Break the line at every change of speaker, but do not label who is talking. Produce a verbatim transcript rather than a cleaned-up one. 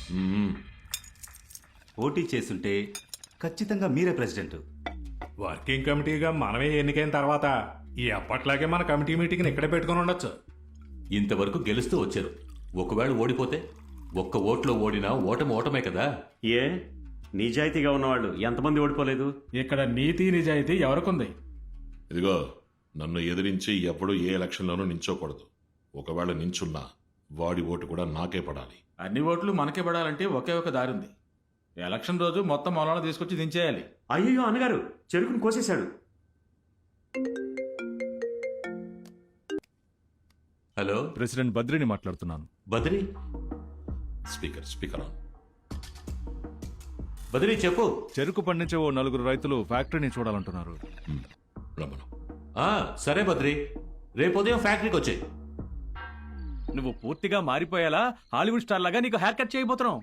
పోటీ చేస్తుంటే ఖచ్చితంగా మీరే ప్రెసిడెంట్.
వర్కింగ్ కమిటీగా మనమే ఎన్నికైన తర్వాత ఈ అప్పట్లాగే మన కమిటీ మీటింగ్ని ఇక్కడే పెట్టుకుని ఉండొచ్చు.
ఇంతవరకు గెలుస్తూ వచ్చారు. ఒకవేళ ఓడిపోతే ఒక్క ఓట్లో ఓడినా ఓటమి ఓటమే కదా.
ఏ నిజాయితీగా ఉన్నవాళ్ళు ఎంతమంది ఓడిపోలేదు?
ఇక్కడ నీతి నిజాయితీ ఎవరికుంది?
ఇదిగో, నన్ను ఎదిరించి ఎప్పుడూ ఏ ఎలక్షన్లోనూ నించోకూడదు. ఒకవేళ నించున్నా వాడి ఓటు కూడా నాకే పడాలి.
అన్ని ఓట్లు మనకే పడాలంటే ఒకే ఒక దారి ఉంది. ఎలక్షన్ రోజు మొత్తం మొలాలను తీసుకొచ్చి దించేయాలి.
అయ్యో అన్నగారు, చెరుకును కోసేశాడు.
హలో,
ప్రెసిడెంట్ బద్రిని మాట్లాడుతున్నాను.
Badri.
Speaker speaker on.
Badri చెప్పు.
చెరుకు పండించే ఓ నలుగురు రైతులు ఫ్యాక్టరీని చూడాలంటున్నారు.
రమణ.
ఆ సరే బద్రి, రేపు ఉదయం ఫ్యాక్టరీకి వచ్చాయి.
నువ్వు పూర్తిగా మారిపోయేలా హాలీవుడ్ స్టార్ లాగా నీకు హెయిర్ కట్ చేయబోతున్నావు.